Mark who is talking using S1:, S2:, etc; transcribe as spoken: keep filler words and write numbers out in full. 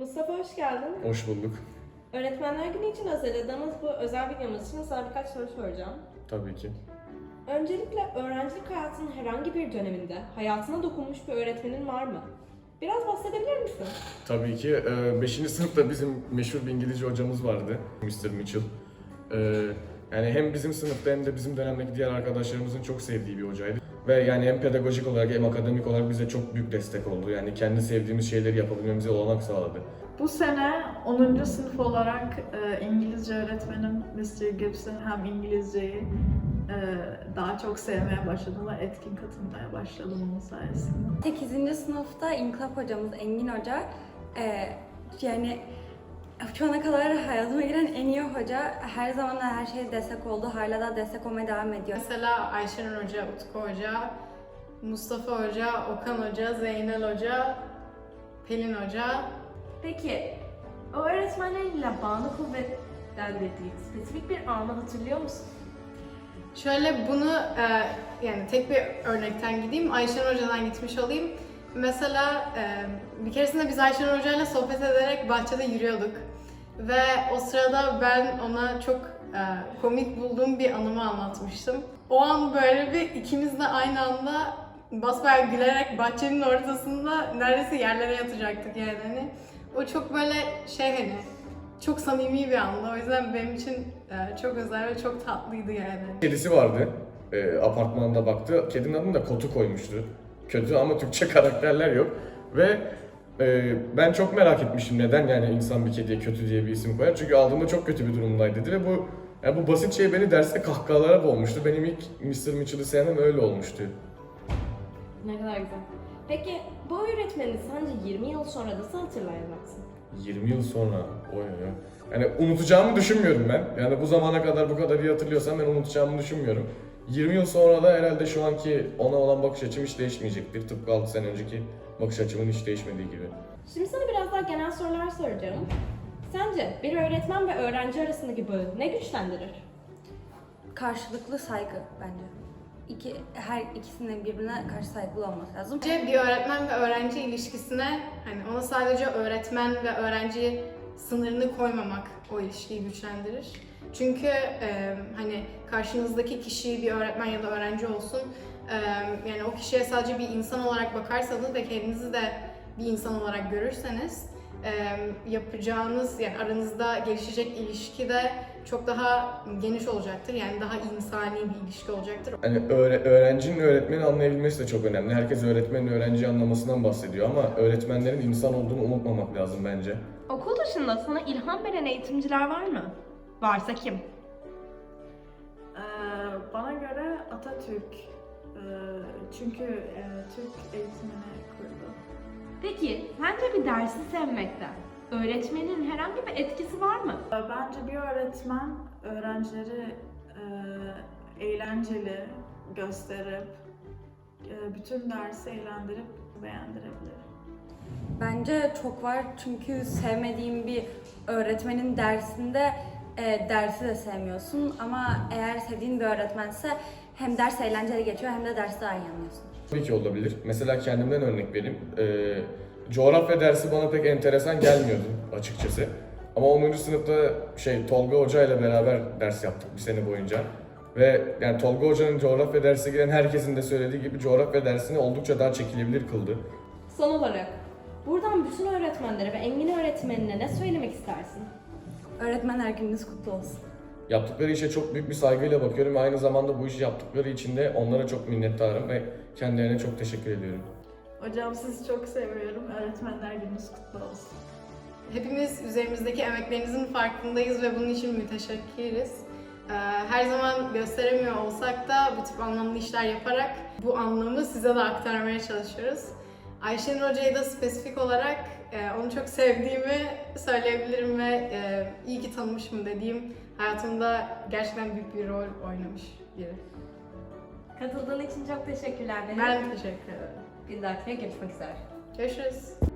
S1: Mustafa hoş geldin.
S2: Hoş bulduk.
S1: Öğretmenler Günü için hazırladığımız bu özel videomuz için sana birkaç soru soracağım.
S2: Tabii ki.
S1: Öncelikle öğrencilik hayatının herhangi bir döneminde hayatına dokunmuş bir öğretmenin var mı? Biraz bahsedebilir misin?
S2: Tabii ki. beşinci sınıfta bizim meşhur bir İngilizce hocamız vardı. mister Mitchell. Ee, yani hem bizim sınıfta hem de bizim dönemdeki diğer arkadaşlarımızın çok sevdiği bir hocaydı. Ve yani hem pedagojik olarak hem akademik olarak bize çok büyük destek oldu. Yani kendi sevdiğimiz şeyleri yapabilmemize olanak sağladı.
S3: Bu sene onuncu sınıf olarak e, İngilizce öğretmenim mister Gibson hem İngilizceyi e, daha çok sevmeye başladım ve etkin katılmaya başladım onun sayesinde.
S4: sekizinci sınıfta İnkılap hocamız Engin Hoca, e, yani şu ana kadar hayatıma giren en iyi hoca, her zaman da her şeye destek oldu, hala da destek olmaya devam ediyor.
S5: Mesela Ayşenur Hoca, Utku Hoca, Mustafa Hoca, Okan Hoca, Zeynel Hoca, Pelin Hoca.
S1: Peki, o öğretmenleriyle bağını kuvvetlendirdiğin spesifik bir anı hatırlıyor musun?
S5: Şöyle bunu e, yani tek bir örnekten gideyim, Ayşenur Hoca'dan gitmiş olayım. Mesela e, bir keresinde biz Ayşenur Hoca'yla sohbet ederek bahçede yürüyorduk. Ve o sırada ben ona çok e, komik bulduğum bir anımı anlatmıştım. O an böyle bir ikimiz de aynı anda basbayağı gülerek bahçenin ortasında neredeyse yerlere yatacaktık yani. Hani o çok böyle şey hani çok samimi bir andı. O yüzden benim için e, çok özel ve çok tatlıydı yani.
S2: Kedisi vardı. E, apartmanda baktı. Kedinin adını da Kotu koymuştu. Kötü ama Türkçe karakterler yok. Ve e, ben çok merak etmişim neden yani insan bir kediye kötü diye bir isim koyar. Çünkü aldığımda çok kötü bir durumdaydı dedi ve bu yani bu basit şey beni derste kahkahalara boğmuştu. Benim ilk mister Mitchell'ı sevmem öyle olmuştu.
S1: Ne kadar güzel. Peki, bu öğretmeni sence yirmi yıl sonra nasıl hatırlayacaksın?
S2: yirmi yıl sonra oy oy. Yani unutacağımı düşünmüyorum ben. Yani bu zamana kadar bu kadar iyi hatırlıyorsam ben unutacağımı düşünmüyorum. yirmi yıl sonra da herhalde şu anki ona olan bakış açım hiç değişmeyecektir. Tıpkı altı sene önceki bakış açımın hiç değişmediği gibi.
S1: Şimdi sana biraz daha genel sorular soracağım. Sence bir öğretmen ve öğrenci arasındaki bağı ne güçlendirir?
S4: Karşılıklı saygı bence. İki, her ikisinin birbirine karşı saygılı olması lazım.
S5: Bence bir öğretmen ve öğrenci ilişkisine hani ona sadece öğretmen ve öğrenci sınırını koymamak o ilişkiyi güçlendirir. Çünkü e, hani karşınızdaki kişi bir öğretmen ya da öğrenci olsun, e, yani o kişiye sadece bir insan olarak bakarsanız ve kendinizi de bir insan olarak görürseniz e, yapacağınız yani aranızda gelişecek ilişki de çok daha geniş olacaktır. Yani daha insani bir ilişki olacaktır.
S2: Hani öğre- öğrencinin öğretmeni anlayabilmesi de çok önemli. Herkes öğretmenin öğrenciyi anlamasından bahsediyor ama öğretmenlerin insan olduğunu unutmamak lazım bence.
S1: Okul dışında sana ilham veren eğitimciler var mı? Varsa kim?
S3: E, bana göre Atatürk e, çünkü e, Türk eğitimini kurdu.
S1: Peki, sence bir dersi sevmekte öğretmenin herhangi bir etkisi var mı?
S3: E, Bence bir öğretmen öğrencileri e, eğlenceli gösterip e, bütün dersi eğlendirip beğendirebilir.
S4: Bence çok var, çünkü sevmediğim bir öğretmenin dersinde e, dersi de sevmiyorsun, ama eğer sevdiğin bir öğretmense hem ders eğlenceli geçiyor hem de dersi daha iyi anlıyorsun.
S2: Tabii ki olabilir. Mesela kendimden örnek vereyim. Ee, coğrafya dersi bana pek enteresan gelmiyordu açıkçası. Ama onuncu sınıfta şey Tolga Hoca ile beraber ders yaptık bir sene boyunca. Ve yani Tolga Hoca'nın coğrafya dersi giren herkesin de söylediği gibi coğrafya dersini oldukça daha çekilebilir kıldı.
S1: Son olarak, buradan bütün öğretmenlere ve Engin öğretmenine ne söylemek istersin?
S4: Öğretmenler gününüz kutlu olsun.
S2: Yaptıkları işe çok büyük bir saygıyla bakıyorum ve aynı zamanda bu işi yaptıkları için de onlara çok minnettarım ve kendilerine çok teşekkür ediyorum.
S3: Hocam sizi çok seviyorum. Öğretmenler gününüz kutlu olsun.
S5: Hepimiz üzerimizdeki emeklerinizin farkındayız ve bunun için müteşekkiriz. Ee, Her zaman gösteremiyor olsak da bu tip anlamlı işler yaparak bu anlamı size de aktarmaya çalışıyoruz. Ayşenur Hoca'yı da spesifik olarak e, onu çok sevdiğimi söyleyebilirim ve e, iyi ki tanımışım dediğim hayatımda gerçekten büyük bir rol oynamış biri.
S1: Katıldığın için çok teşekkürler.
S5: Ben teşekkür ederim.
S1: Bir dahakine görüşmek üzere.
S5: Görüşürüz.